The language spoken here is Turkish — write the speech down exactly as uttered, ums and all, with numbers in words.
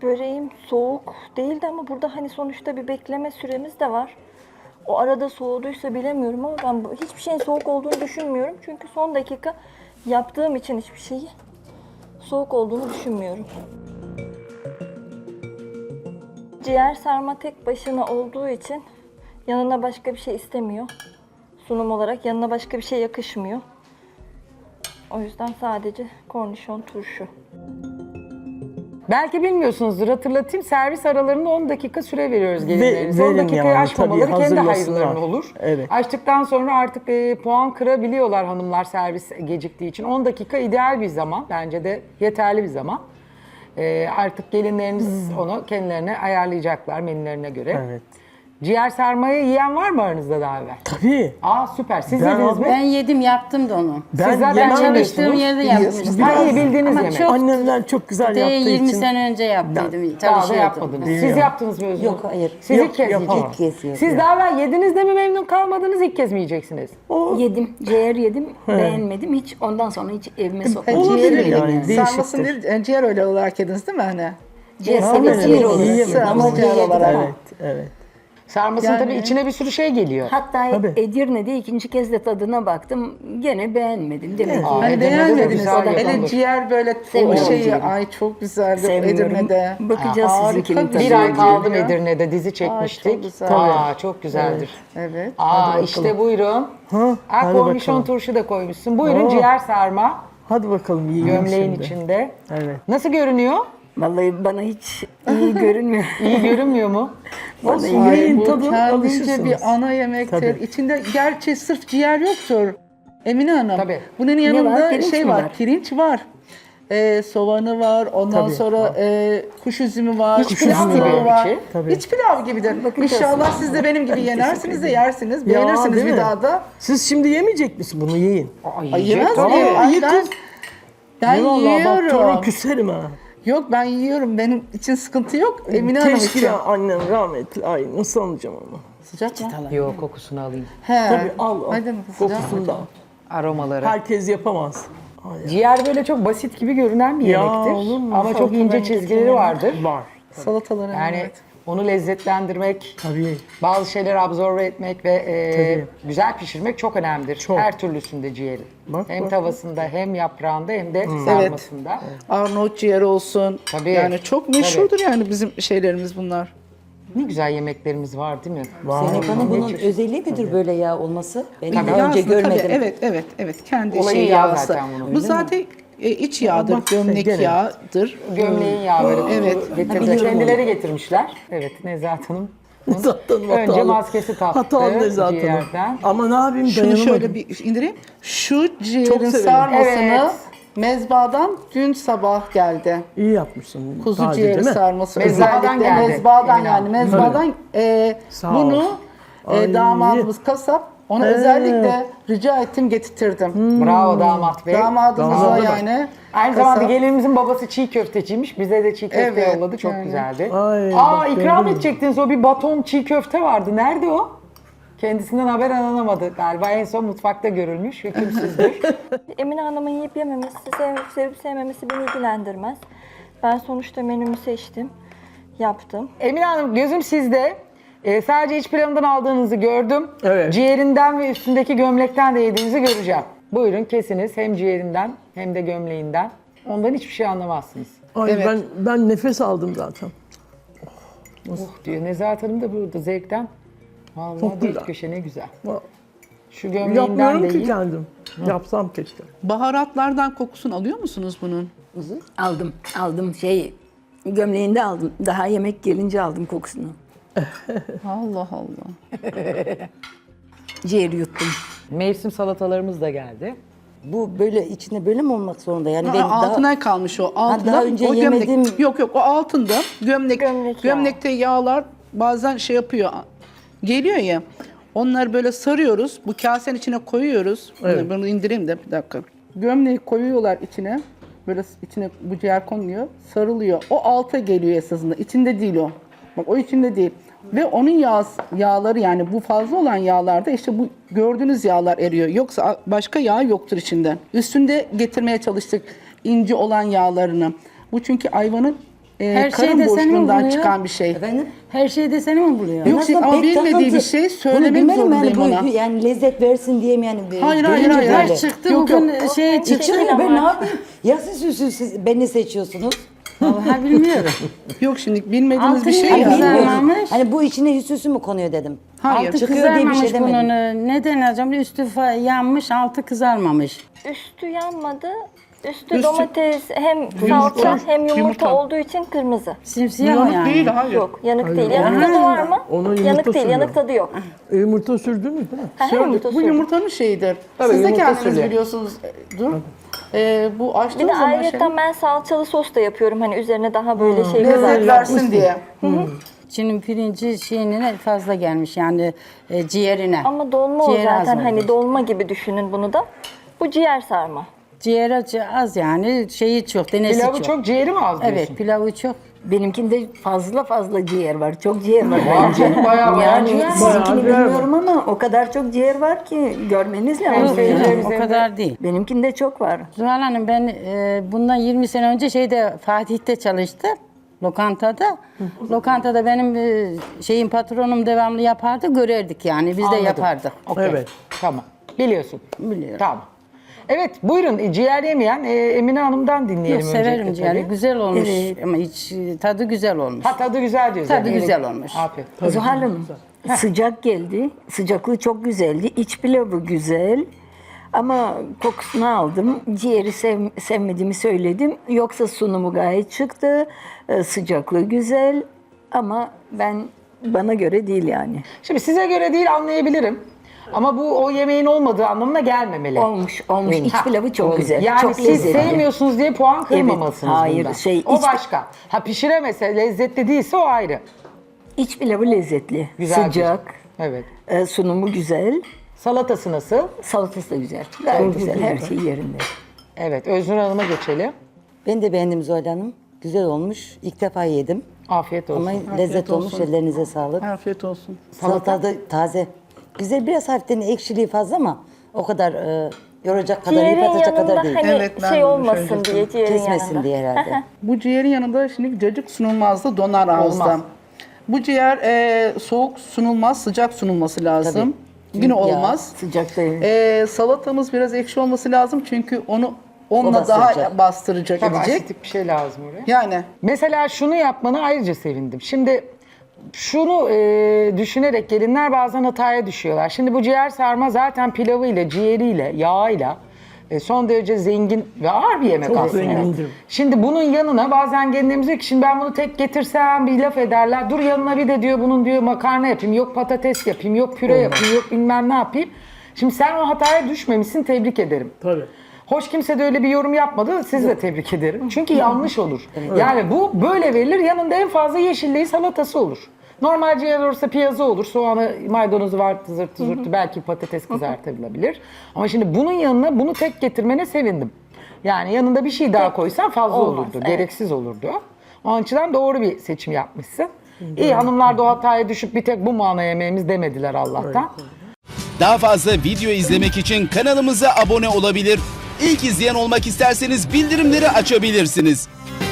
Böreğim soğuk değildi ama burada hani sonuçta bir bekleme süremiz de var. O arada soğuduysa bilemiyorum ama ben bu- hiçbir şeyin soğuk olduğunu düşünmüyorum. Çünkü son dakika yaptığım için hiçbir şeyi soğuk olduğunu düşünmüyorum. Ciğer sarma tek başına olduğu için yanına başka bir şey istemiyor. Sunum olarak yanına başka bir şey yakışmıyor. O yüzden sadece kornişon turşu. Belki bilmiyorsunuzdur, hatırlatayım. Servis aralarında on dakika süre veriyoruz gelinlerimize. Ve- on verin dakikayı yani, aşmamaları tabii, kendi hazırlasınlar. hayırlarına olur. Evet. Açtıktan sonra artık e, puan kırabiliyorlar hanımlar servis geciktiği için. on dakika ideal bir zaman. Bence de yeterli bir zaman. E, artık gelinleriniz onu kendilerine ayarlayacaklar menülerine göre. Evet. Ciğer sarmayı yiyen var mı aranızda daha evvel? Tabii. Aa süper. Siz Ben yediniz mi? abi- Ben yedim, yaptım da onu. Ben Siz zaten yemem Çalıştığım yemiyorsunuz. yerde yapmıştım. Ha, iyi bildiğiniz Ama yemek. çok Annemler çok güzel de yaptığı yirmi için. sene önce yaptıydım. Daha da Çalışıyordum. yapmadınız. Siz Bilmiyorum. yaptınız mı Özgür? Yok, hayır. Siz Yok, ilk kez yapamam. yiyeceksiniz. İlk kez yedim. Siz daha evvel yediniz de mi memnun kalmadınız, ilk kez mi yiyeceksiniz? Yedim, ciğer yedim, beğenmedim hiç. Ondan sonra hiç evime sokmadım. Olabilir Ciğer yani, yedim. değişiktir. Sarmasın değil, e, ciğer öyle olarak yediniz değil mi hani? Ciğer Ama seviyesi evet, bir olur. yiyemedim. Ama Ama ciğer yedim. olarak. Evet, evet. Sarmasın Yani- tabii içine bir sürü şey geliyor. Hatta Tabii. Edirne'de ikinci kez de tadına baktım. Gene beğenmedim. Demek ki Aa, Hani Edirne'de de beğenmediniz. güzel Hele yapılır. ciğer böyle o Sevmiyorum şeyi, ciğeri. ay çok güzeldi sevmiyorum. Edirne'de. Bakacağız Aa, sizinkinin harika tadına. Bir ay güzel kaldım geliyor. Edirne'de, dizi çekmiştik. güzel. Aa, çok güzeldir. Evet. Aa işte buyurun. Ha, Ha, hadi kornişon bakalım. turşu da koymuşsun. Buyurun Oo. ciğer sarma. Hadi bakalım yiyelim Gömleğin şimdi. içinde. Evet. Nasıl görünüyor? Vallahi bana hiç iyi görünmüyor. İyi görünmüyor mu? Olsun, Ay, yiyin bu tadın, kendince alışırsınız. bir ana yemektir. Tabii. İçinde gerçi sırf ciğer yoktur. Emine Hanım. Tabii. Bunun yanında var? Pirinç şey mi var, var? pirinç var. Ee, soğanı var, ondan Tabii, sonra var. e, kuş üzümü var, İç pilav fıstığı gibi var. içi. Tabii. İç pilav gibidir. İnşallah siz de benim gibi yenersiniz de yersiniz, beğenirsiniz değil bir mi? daha da. Siz şimdi yemeyecek misiniz bunu, yiyin. Ay, Ay, yiyecek yemez tabii. miyim? Ay, iyi ben, kız. ben Eyvallah, bak torun yiyorum. küserim ha. Yok ben yiyorum. Benim için sıkıntı yok. Emine Hanım Keşke için. ya annem rahmetli. Ay nasıl alacağım onu? Sıcak mı? Yok kokusunu alayım. He. Tabii al al. Hadi mi? Sıcak mı? Kokusunu da al. Aromaları. Herkes yapamaz. Ay, Ciğer böyle çok basit gibi görünen bir Ya, yemektir. olur mu? Ama çok ince çizgileri vardır. var. Salataları. Yani evet. onu lezzetlendirmek, Tabii. bazı şeyleri absorbe etmek ve e, Tabii. güzel pişirmek çok önemlidir. Çok. Her türlüsünde ciğerin. Bak, hem bak, tavasında hem yaprağında hem de sarmasında. Arnavut ciğeri olsun. Tabii. Yani çok meşhurdur yani bizim şeylerimiz bunlar. Ne güzel yemeklerimiz var değil mi? Var. Zeynep Hanım bunun özelliği midir böyle yağ olması? Ben Tabii. daha önce Aslında görmedim. tabii, evet evet evet kendi Olayı şey yağ yağısı. zaten bunun, Bu zaten e, iç yağdır, bak sen gömlek gene. yağıdır. Gömleğin yağları Evet. getirdi. biliyorum Kendileri getirmişler. Evet Nezahat Hanım. Zaten Önce hatalı. maskesi taktı Hatalı ne zaten? ciğerden. Ama ne yapayım, Şunu dayanamadım. şöyle bir indireyim. Şu ciğerin severim. sarmasını Evet. mezbadan dün sabah geldi. İyi yapmışsın. Kuzu taze ciğeri değil mi? sarması. Mezbahadan Özellikle geldi, mezbahadan Emine yani. Hanım. Mezbahadan e, Sağ ol. bunu e, Ay. damadımız kasap. Ona He. özellikle rica ettim getirtirdim. Bravo damat bey. Damadımıza Damadı bak. yani. Aynı kasap. zamanda gelinimizin babası çiğ köfteciymiş. Bize de çiğ köfte Evet, yolladı. Çok yani. güzeldi. Ay, Aa bak, ikram gördün mü? edecektiniz, o bir baton çiğ köfte vardı. Nerede o? Kendisinden haber alınamadı. Galiba en son mutfakta görülmüş. Hükümsüzdür. Emine Hanım'ın yiyip yememesi, sev, sevip sevmemesi beni ilgilendirmez. Ben sonuçta menümü seçtim, yaptım. Emine Hanım gözüm sizde. Ee, sadece iç pilavından aldığınızı gördüm. Evet. Ciğerinden ve üstündeki gömlekten de yediğinizi göreceğim. Buyurun kesiniz hem ciğerinden hem de gömleğinden. Ondan hiçbir şey anlamazsınız. Ay Evet. ben ben nefes aldım zaten. Uh diyor. Nezahat Hanım da burada zevkten. Vallahi Çok dört güzel. köşe ne güzel. Va- Şu gömleğinden Yapmıyorum de ki yiyin. kendim. Yapsam keşke. Baharatlardan kokusunu alıyor musunuz bunun? Aldım, aldım şey gömleğinde aldım. Daha yemek gelince aldım kokusunu. Allah Allah. Ciğeri yuttum. Mevsim salatalarımız da geldi. Bu böyle içinde böyle mi olmak zorunda? Yani ben Aa, altına daha... kalmış o. Altında, daha önce o gömlek. yemedim. Yok yok o altında. Gömlek, Gömlek yağı. gömlekte yağlar bazen şey yapıyor. Geliyor ya. Onları böyle sarıyoruz. Bu kasenin içine koyuyoruz. Evet. Bunu indireyim de bir dakika. Gömleği koyuyorlar içine. Böyle içine bu ciğer konuluyor. Sarılıyor. O alta geliyor esasında. İçinde değil o. Bak o içinde değil. Ve onun yağ, yağları yani bu fazla olan yağlarda işte bu gördüğünüz yağlar eriyor. Yoksa başka yağ yoktur içinde. Üstünde getirmeye çalıştık ince olan yağlarını. Bu çünkü ayvanın e, Her karın şeyde seni mi boşluğundan buluyor? çıkan bir şey. Efendim? Her şeyde seni mi buluyor? Yok, Aslında ama pek bilmediği takıntı- bir şey Bunu söylemek bilmem zorundayım yani, bu- ona. Yani lezzet versin diye mi yani? Hayır, hayır, görünce hayır. böyle. Her çıktı Yok, bugün yok. şey İçin çıktı. ya ben ne yapayım? Ya siz siz, siz beni seçiyorsunuz. Vallahi bilmiyorum. Yok şimdi bilmediğiniz Altı bir şey niye Hani ya. güzel? bilmiyorum. Kızarmamış. Hani bu içine hüsüsü mü konuyor dedim. Hayır. Altı çıkıyor diye bir kızarmamış şey bunun. demedim. Neden acaba? Üstü fa- yanmış, altı kızarmamış. Üstü yanmadı. Üstü, Üstü- domates hem Yumurta. salça hem yumurta, Yumurta. olduğu için kırmızı. Simsiyah o Yanık yani. değil, hayır. Yok, yanık Hayır, değil. o- Yanık tadı var mı? Ona yumurta Yanık değil, sürüyor. yanık tadı yok. E, yumurta sürdün mü? Değil mi? Ha, Şöyle, yumurta bu sürdüm. yumurtanın şeyidir. Tabii, Siz de yumurta kendiniz sürüyor. biliyorsunuz. E, Dur. E, bu Bir açtığınız de zaman şey, ayrıca ben salçalı sos da yapıyorum. Hani üzerine daha böyle şey lezzet kızartma. versin diye. İçinin pirinci şeyine fazla gelmiş yani e, ciğerine. Ama dolma o Ciğer az zaten. Hani olmuş. dolma gibi düşünün bunu da. Bu ciğer sarma. Ciğer az- az yani şeyi çok, denesi Pilavı çok. çok, ciğeri mi az diyorsun? Evet, pilavı çok. Benimkinde fazla fazla ciğer var. Çok ciğer var Var bence. canım, bayağı bayağı Yani ciğer var. sizinkini Bayağı bilmiyorum ama o kadar çok ciğer var ki görmeniz Hem lazım. seyircilerimiz O hem de- kadar değil. Benimkinde çok var. Zuhal Hanım ben e, bundan yirmi sene önce şeyde Fatih'te çalıştım. Lokantada. Lokantada benim e, şeyin patronum devamlı yapardı. Görerdik yani. Biz de Anladım. yapardık. Okey. Evet. Tamam. Biliyorsun. Biliyorum. Tamam. Evet buyurun e, ciğer yemeyen e, Emine Hanım'dan dinleyelim Yok, severim öncelikle ciğeri. tabii. Güzel olmuş ama hiç e, tadı güzel olmuş. Ha tadı güzel diyorsun. Tadı güzel olmuş. Afiyet. Zuhal Hanım, sıcak geldi. Sıcaklığı çok güzeldi. İç pilavı güzel. Ama kokusunu aldım. Ciğeri sev, sevmediğimi söyledim. Yoksa sunumu gayet çıktı. Ee, sıcaklığı güzel. Ama ben bana göre değil yani. Şimdi size göre değil anlayabilirim. Ama bu o yemeğin olmadığı anlamına gelmemeli. Olmuş, olmuş. İç Ha, pilavı çok oldu. güzel. Yani çok siz lezzetli. sevmiyorsunuz diye puan kırmamalısınız hayır, bundan. şey, o iç- başka. Ha pişiremese, lezzetli değilse o ayrı. İç pilavı lezzetli. Güzel Sıcak. Evet. e, sunumu güzel. Salatası nasıl? Salatası da güzel. Gayet güzel. Her şey yerinde. Evet. Öznur Hanım'a geçelim. Ben de beğendim Zuhal Hanım. Güzel olmuş. İlk defa yedim. Afiyet olsun. Ama lezzet olmuş. Ellerinize sağlık. Afiyet olsun. Salata da taze. Güzel, biraz hafiften ekşiliği fazla ama o kadar e, yoracak kadar, Ciğerin yıpratacak yanında kadar değil. hani Evet, ben de şey öyle olmasın söyleyecektim. diye ciğerin Kesmesin yanında. diye herhalde. Bu ciğerin yanında şimdi cacık sunulmazdı, donar ağızda. Olmaz. Bu ciğer e, soğuk sunulmaz, sıcak sunulması lazım. Yine Ya, olmaz. Sıcak da E, salatamız biraz ekşi olması lazım çünkü onu onunla O daha bastıracak. bastıracak Tabii edecek. asitik bir şey lazım oraya. Yani Mesela şunu yapmana ayrıca sevindim. Şimdi şunu e, düşünerek gelinler bazen hataya düşüyorlar. Şimdi bu ciğer sarma zaten pilavıyla, ciğeriyle, yağıyla e, son derece zengin ve ağır bir yemek Çok aslında. zengindir. Şimdi bunun yanına bazen gelinlerimiz diyor ki şimdi ben bunu tek getirsem bir laf ederler. Dur yanına bir de diyor bunun diyor makarna yapayım, yok patates yapayım, yok püre yapayım, yok bilmem ne yapayım. Şimdi sen o hataya düşmemişsin, tebrik ederim. Tabii. Hoş kimse de öyle bir yorum yapmadı. Sizi de tebrik ederim. Çünkü yanlış olur. Yani bu böyle verilir. Yanında en fazla yeşilliği salatası olur. Normal ciğer olursa piyazı olur. Soğanı, maydanozu var, zırtı zırtı. Belki patates kızartılabilir. Ama şimdi bunun yanına bunu tek getirmene sevindim. Yani yanında bir şey daha koysan fazla olmaz, olurdu. evet. Gereksiz olurdu. Onun açıdan doğru bir seçim yapmışsın. İyi hanımlar da o hataya düşüp bir tek bu mu ana yemeğimiz demediler Allah'tan. Daha fazla video izlemek için kanalımıza abone olabilir. İlk izleyen olmak isterseniz bildirimleri açabilirsiniz.